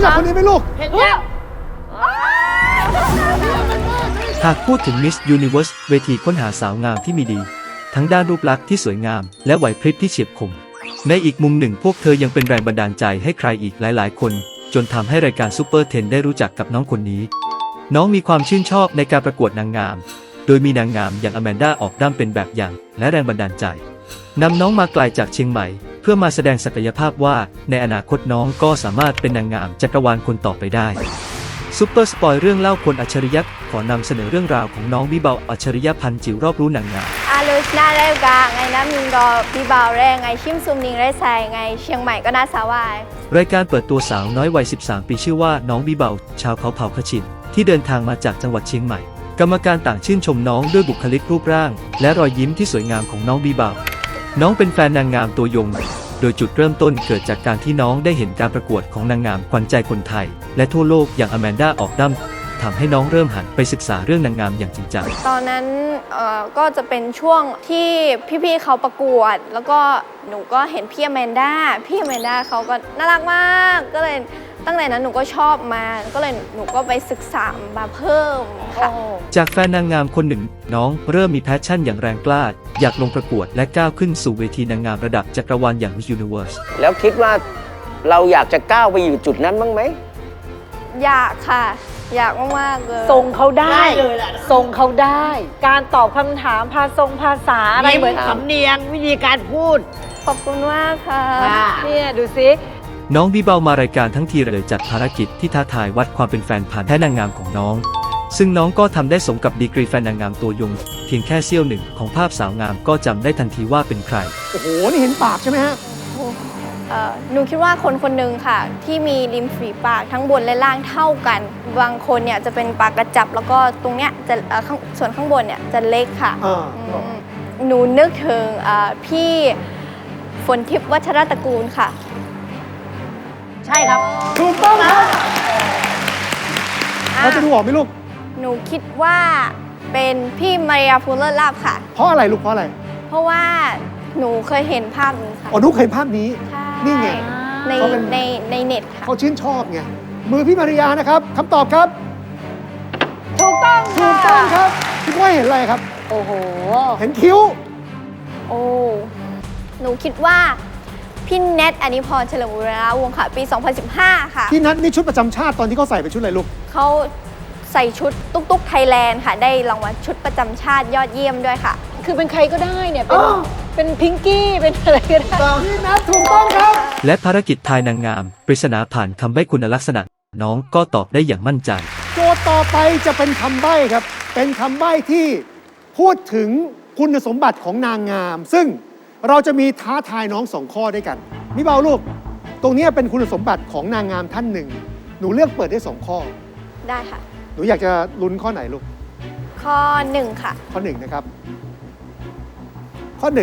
จักคนนี้ไหมลูกเห็นยังหากพูดถึง Miss Universe เวทีค้นหาสาวงามที่มีดี ทั้งด้านรูปลักษณ์ที่สวยงามและไหวพริบที่เฉียบคมในอีกมุมหนึ่งพวกเธอยังเป็นแรงบันดาลใจให้ใครอีกหลายๆคนจนทำให้รายการซูเปอร์10ได้รู้จักกับน้องคนนี้น้องมีความชื่นชอบในการประกวดนางงามโดยมีนางงามอย่างอแมนดาออกด้ามเป็นแบบอย่างและแรงบันดาลใจนำน้องมาไกลจากเชียงใหม่เพื่อมาแสดงศักยภาพว่าในอนาคตน้องก็สามารถเป็นนางงามจักรวาลคนต่อไปได้ซุปเปอร์สปอยเรื่องเล่าคนอัจฉริยะขอนำเสนอเรื่องราวของน้องบิเบาอัจฉริยะพันจิ๋วรอบรู้นางงามลูชนาได้กาไงน้ำมิงดอบิเบาแรงไงชิมซุมนิงได้ใส่ไงเชียงใหม่ก็น่าสาวายรายการเปิดตัวสาวน้อยวัย 13 ปีชื่อว่าน้องบิเบาชาวเขาเผ่าขชินที่เดินทางมาจากจังหวัดเชียงใหม่กรรมการต่างชื่นชมน้องด้วยบุคลิกรูปร่างและรอยยิ้มที่สวยงามของน้องบิเบาน้องเป็นแฟนนางงามตัวยงโดยจุดเริ่มต้นเกิดจากการที่น้องได้เห็นการประกวดของนางงามขวัญใจคนไทยและทั่วโลกอย่างอแมนดาออกดั้มทำให้น้องเริ่มหันไปศึกษาเรื่องนางงามอย่างจริงจังตอนนั้นก็จะเป็นช่วงที่พี่ๆเขาประกวดแล้วก็หนูก็เห็นพี่อแมนดาเขาก็น่ารักมากก็เลยตั้งแต่นั้นหนูก็ชอบมาก็เลยหนูก็ไปศึกษามาเพิ่มค่ะจากแฟนนางงามคนหนึ่งน้องเริ่มมีแพชชั่นอย่างแรงกล้าอยากลงประกวดและก้าวขึ้นสู่เวทีนางงามระดับจักรวาลอย่าง Miss Universe แล้วคิดว่าเราอยากจะก้าวไปอยู่จุดนั้นบ้างไหมอยากค่ะอยากมากๆเลยทรงเขาได้ทรงเขาได้ การตอบคำถามภาษาอะไรเหมือนสำเนียงวิธีการพูดขอบคุณมากค่ะเนี่ยดูสิน้องบิเบามารายการทั้งทีเลยจัดภารกิจที่ท้าทายวัดความเป็นแฟนพันธุ์แท้นางงามของน้องซึ่งน้องก็ทำได้สมกับดีกรีแฟนนางงามตัวยงเพียงแค่เสี้ยวหนึ่งของภาพสาวงามก็จำได้ทันทีว่าเป็นใครโอ้โหนี่เห็นปากใช่ไหมฮะหนูคิดว่าคนคนหนึ่งค่ะที่มีริมฝีปากทั้งบนและล่างเท่ากันบางคนเนี่ยจะเป็นปากกระจับแล้วก็ตรงเนี้ยจะส่วนข้างบนเนี่ยจะเล็กค่ะหนูนึกถึงพี่ฝนทิพย์วัชรตระกูลค่ะใช่ครับถูกต้องครับเราจะดูออกไหมลูกหนูคิดว่าเป็นพี่มาริยาฟูเลอร์ลาบค่ะเพราะอะไรลูกเพราะอะไรเพราะว่าหนูเคยเห็นภาพนี้ค่ะอ๋อนุ๊กเห็นภาพนี้นี่ไงในเน็ตค่ะเขาชื่นชอบไงมือพี่มาริยานะครับคำตอบครับถูกต้องครับคิดว่าเห็นอะไรครับโอ้โหเห็นคิ้วโอ้หนูคิดว่าพี่เนทอนิพรเฉลิมบุรณวงศ์ค่ะปี 2015 ค่ะพี่นัทนี่ชุดประจำชาติตอนที่เขาใส่เป็นชุดอะไรลูกเขาใส่ชุดตุ๊กไทยแลนด์ค่ะได้รางวัลชุดประจำชาติยอดเยี่ยมด้วยค่ะคือเป็นใครก็ได้เนี่ยเป็นพิงกี้เป็นอะไรก็ได้พี่นัทถูกต้องครับและภารกิจทายนางงามปริศนาผ่านคำใบ้คุณลักษณะน้องก็ตอบได้อย่างมั่นใจโจทย์ต่อไปจะเป็นคำใบ้ครับเป็นคำใบ้ที่พูดถึงคุณสมบัติของนางงามซึ่งเราจะมีท้าทายน้อง2 ข้อด้วยกันมิเบาลูกตรงนี้เป็นคุณสมบัติของนางงามท่านหนึ่งหนูเลือกเปิดได้2 ข้อได้ค่ะหนูอยากจะลุ้นข้อไหนลูกข้อ1ค่ะข้อ1นะครับข้อ1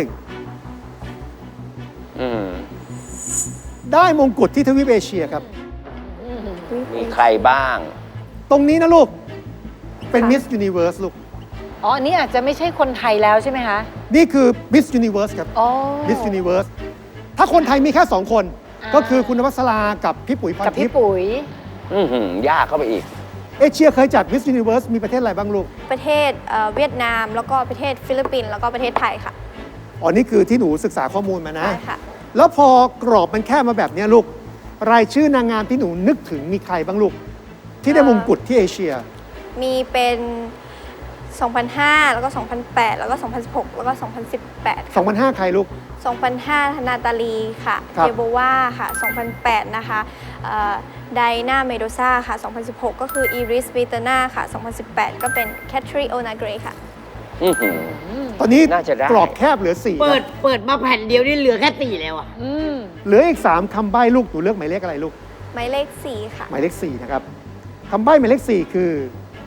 ได้มงกุฎที่ทวีปเอเชียครับมีใครบ้างตรงนี้นะลูกเป็น Miss Universe ลูกอ๋ออันนี้อาจจะไม่ใช่คนไทยแล้วใช่ไหมคะนี่คือ Miss Universe ครับ Miss Universe ถ้าคนไทยมีแค่2 คนก็คือคุณนวัสรากับพี่ปุ๋ยพรทิพย์กับพี่ปุ๋ยยากเข้าไปอีกเอเชียเคยจัด Miss Universe มีประเทศอะไรบ้างลูกประเทศเวียดนามแล้วก็ประเทศฟิลิปปินส์แล้วก็ประเทศไทยค่ะอ๋อนี่คือที่หนูศึกษาข้อมูลมานะใช่ค่ะแล้วพอกรอบมันแค่มาแบบนี้ลูกรายชื่อนางงามที่หนูนึกถึงมีใครบ้างลูกที่ได้มงกุฎที่เอเชียมีเป็น 2005 แล้วก็ 2008 แล้วก็ 2016 แล้วก็ 2018 2005 ใครลูก 2005 นาตาลีค่ะเทโบวาค่ะ 2008 นะคะไดนาเมโดซาค่ะ 2016 ก็คืออีริสเบเตนาค่ะ 2018 ก็เป็นแคทรีโอนาเกรค่ะตอนนี้กรอบแคบเหลือ4 เปิดมาแผ่นเดียวนี่เหลือแค่4แล้วอ่ะเหลืออีก3คำใบ้ลูกหนูเลือกหมายเลขอะไรลูกหมายเลข4ค่ะหมายเลข4นะครับคำใบ้หมายเลข4คือ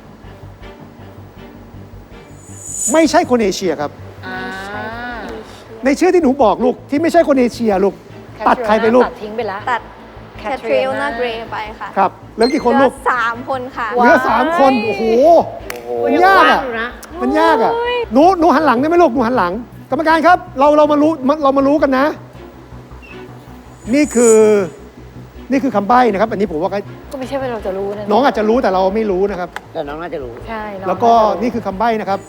ไม่ใช่คนเอเชียครับในชื่อที่หนูบอกลูกที่ไม่ใช่คนเอเชียลูกตัดใครไปลูกตัดทิ้งไปแล้วตัดแคทรีโอนาเกรไปค่ะครับเหลือกี่คนลูก 3 คนค่ะเหลือ3 คนโอ้โหมันยากอ่ะมันยากอ่ะหนูหันหลังได้ไหมลูกหนูหันหลังกรรมการครับเรามารู้กันนะนี่คือนี่คือคำใบ้นะครับ อันนี้ผมว่าก็ก็ไม่ใช่ว่าเราจะรู้นะน้องอาจจะรู้แต่เราไม่รู้นะครับแต่น้องน่าจะรู้ใช่น้องแล้วก็าจะรู้นี่คือคำใบ้นะครับ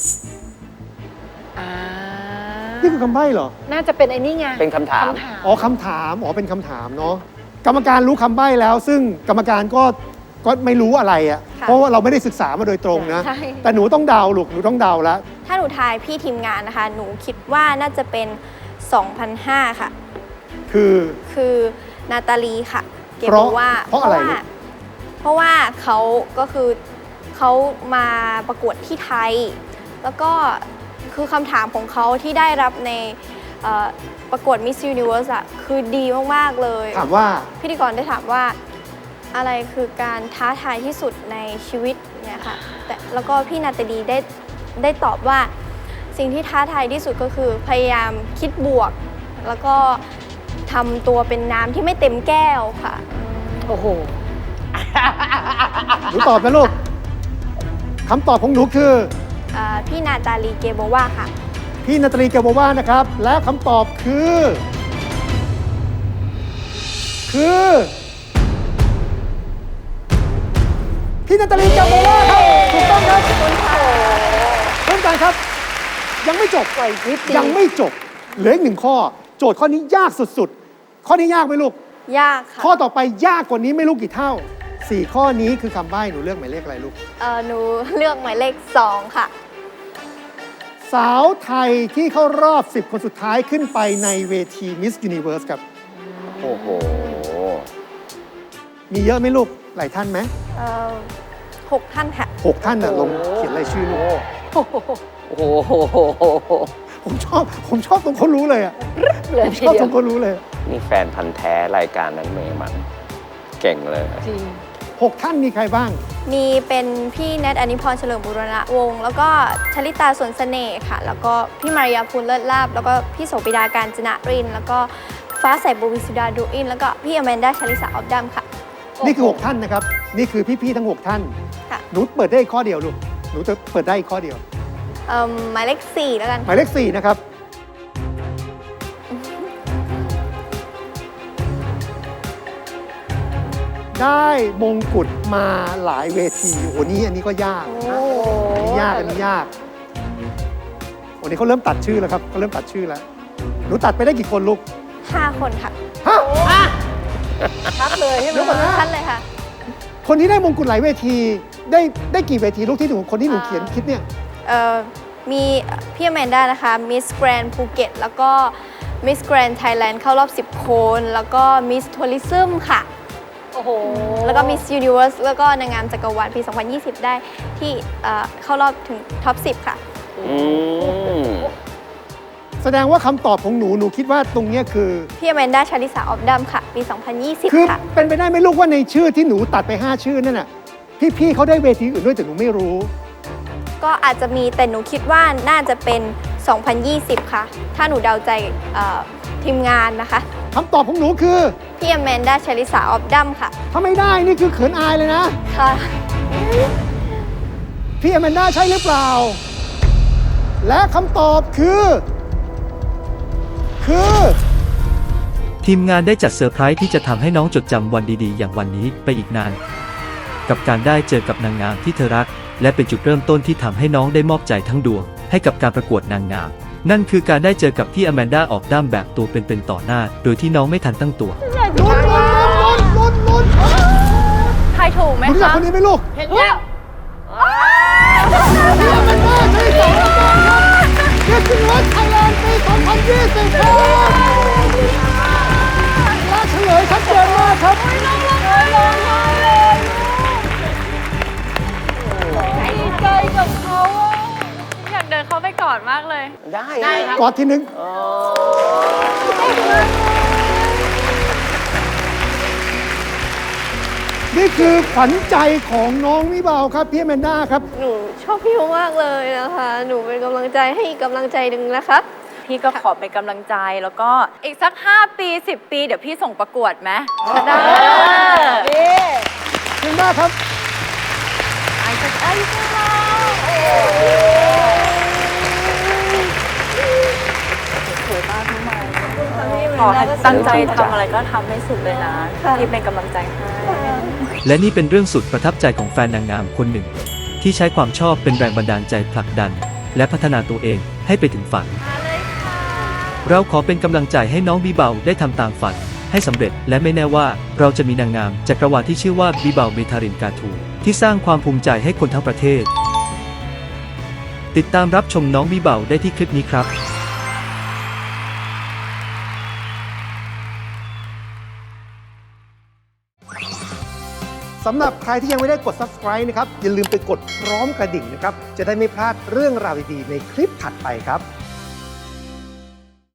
อ่านี่คือคำใบ้เหรอน่าจะเป็นไอ้นี่ไงเป็นคำถามอ๋อคำถาม อ๋อ เป็นคำถามเนาะ กรรมการรู้คำใบ้แล้ว ซึ่งกรรมการก็ไม่รู้อะไรอะ่ะค่ะเพราะว่าเราไม่ได้ศึกษามาโดยตรงนะใช่แต่หนูต้องเดาลูก หนูต้องเดาแล้วถ้าหนูทายพี่ทีมงานนะคะ หนูคิดว่าน่าจะเป็น 2005 ค่ะ คือนาตาลีค่ะ เกมบอกว่าเพราะอะไรลูกเพราะว่าเขาก็คือเขามาประกวดที่ไทย แล้วก็คือคำถามของเขาที่ได้รับในประกวด Miss Universe อะคือดีมาก ๆ เลยถามว่าพิธีกรได้ถามว่าอะไรคือการท้าทายที่สุดในชีวิตเนี่ยค่ะแล้วก็พี่นาตาลีได้ตอบว่าสิ่งที่ท้าทายที่สุดก็คือพยายามคิดบวก แล้วก็ทำตัวเป็นน้ำที่ไม่เต็มแก้วค่ะโอ้โหหนูตอบนะลูก คำตอบของหนูคือพี่นาตาลีเกโบวาค่ะพี่นาตาลีเกโบวานะครับ และคำตอบคือ พี่นาตาลีเกโบวาครับ ถูกต้องครับเพื่อนกันครับ ยังไม่จบปล่อยนิดเดียวยังไม่จบ เหลืออีกหนึ่งข้อ โจทย์ข้อนี้ยากสุดๆ ข้อนี้ยากไหมลูกยากค่ะข้อต่อไปยากกว่านี้ไม่รู้กี่เท่า 4 ข้อนี้คือคำใบ้หนูเลือกหมายเลขอะไรลูกหนูเลือกหมายเลข 2 ค่ะสาวไทยที่เข้ารอบ 10 คนสุดท้ายขึ้นไปในเวที Miss Universe ครับโอ้โหมีเยอะไหมลูก หลายท่านไหม 6 ท่านค่ะ 6 ท่านน่ะลงเขียนรายชื่อลูกโอ้โหผมชอบตรงเขารู้เลยอ่ะเหลือผมทีชอบเดีตยรวงเขารู้เลยนี่แฟนพันธ์แท้รายการนั้นเมย์มัน เก่งเลยจริง 6 ท่านมีใครบ้างมีเป็นพี่แนทอนิพรเฉลิมบุรณวงศ์แล้วก็ชลิตาสวนเสน่ห์ค่ะ แล้วก็พี่มารยาภูลเลิศลาบ แล้วก็พี่โสปิดาการจนะรินทร์แล้วก็ฟ้าใสบุวิสุดาดูอิน แล้วก็พี่อแมนดาชลิสาออฟดัมค่ะนี่คือ 6 ท่านนะครับ นี่คือพี่ๆทั้ง 6 ท่านค่ะหนูเปิดได้อีกข้อเดียวลูก หนูจะเปิดได้อีกข้อเดียวหมายเลข 4 แล้วกันหมายเลข 4 นะครับ ได้มงกุฎมาหลายเวทีโอ้โหนี่อันนี้ก็ยากโอ้อันนี้ยาก อันนี้ยากวันนี้เขาเริ่มตัดชื่อแล้วครับเขาเริ่มตัดชื่อแล้ว หนูตัดไปได้กี่คนลูก 5 คนค่ะฮะชัดเลยใช่ไหมเดี๋ยวก่อนนะท่านเลยค่ะคนที่ได้มงกุฎหลายเวที ได้กี่เวทีลูกที่หนูคนที่หนูเขียนคิดเนี่ยมีพี่อแมนดานะคะ มิสแกรนภูเก็ต แล้วก็มิสแกรนไทยแลนด์เข้ารอบ 10 คน แล้วก็มิสทัวริซึมค่ะโอ้โหแล้วก็มิสยูนิเว r ร์สแล้วก็นางงามจักรวาลปี 2020 ได้ที่เข้ารอบถึงท็อป 10 ค่ะอืมแสดงว่าคำตอบของหนูหนูคิดว่าตรงเนี้ยคือพี่อแมนดาชาลิสาออฟดัมค่ะ ปีคือ 2020 ค่ะเป็นไปได้ไหมลูกว่าในชื่อที่หนูตัดไป 5 ชื่อนั่นน่ะพี่ๆเขาได้เวทีอื่นด้วยแต่หนูไม่รู้ก็อาจจะมีแต่หนูคิดว่าน่าจะเป็น 2020 ค่ะ ถ้าหนูเดาใจทีมงานนะคะคำตอบของหนูคือพี่อแมนดาชาลิสาออฟดัมค่ะถ้าไม่ได้นี่คือเขินอายเลยนะค่ะพี่อแมนด้าใช่หรือเปล่า และคำตอบคือทีมงานได้จัดเซอร์ไพรส์ที่จะทำให้น้องจดจำวันดีๆ อย่างวันนี้ไปอีกนาน กับการได้เจอกับนางงามที่เธอรัก และเป็นจุดเริ่มต้นที่ทำให้น้องได้มอบใจทั้งดวง ให้กับการประกวดนางงาม นั่นคือการได้เจอกับพี่อแมนด้าออกด้ามแบบตัวเป็นๆต่อหน้า โดยที่น้องไม่ทันตั้งตัวลุ้นใครถูกไหมรู้จักคะคนนี้ไหมลูกเห็นแล้วพี่อแมนด้าใช่สองรางวัลครับเกียรติวัฒน์ไทยแลนด์ปี 2020 ครับและเฉลยชัดเจนมากครับดีใจกับเขาอะอยากเดินเข้าไปกอดมากเลยได้ครับกอดทีนึง นี่คือขวัญใจของน้องวิบาวครับพี่อแมนด้าครับหนูชอบพี่มากเลยนะคะ หนูเป็นกำลังใจให้อีกกำลังใจหนึ่งนะคะพี่ก็ขอเป็นกำลังใจแล้วก็อีกสัก 5 ปี 10 ปี เดี๋ยวพี่ส่งประกวดไหมได้นี่เพียงด้าครับไอ้สักไอ้สักเราพี่ขอให้ตั้งใจทำอะไรก็ทำให้สุดเลยนะค่ะที่เป็นกำลังใจให้และนี่เป็นเรื่องสุดประทับใจของแฟนนางงามคนหนึ่ง ที่ใช้ความชอบเป็นแรงบันดาลใจผลักดัน และพัฒนาตัวเองให้ไปถึงฝัน เราขอเป็นกำลังใจให้น้องบีเบาได้ทำตามฝันให้สำเร็จ และไม่แน่ว่าเราจะมีนางงามจักรวาลที่ชื่อว่าบีเบาเมทารินกาทูที่สร้างความภูมิใจให้คนทั้งประเทศ ติดตามรับชมน้องบีเบาได้ที่คลิปนี้ครับสำหรับใครที่ยังไม่ได้กด subscribe นะครับ อย่าลืมไปกดพร้อมกระดิ่งนะครับ จะได้ไม่พลาดเรื่องราวดีๆในคลิปถัดไปครับ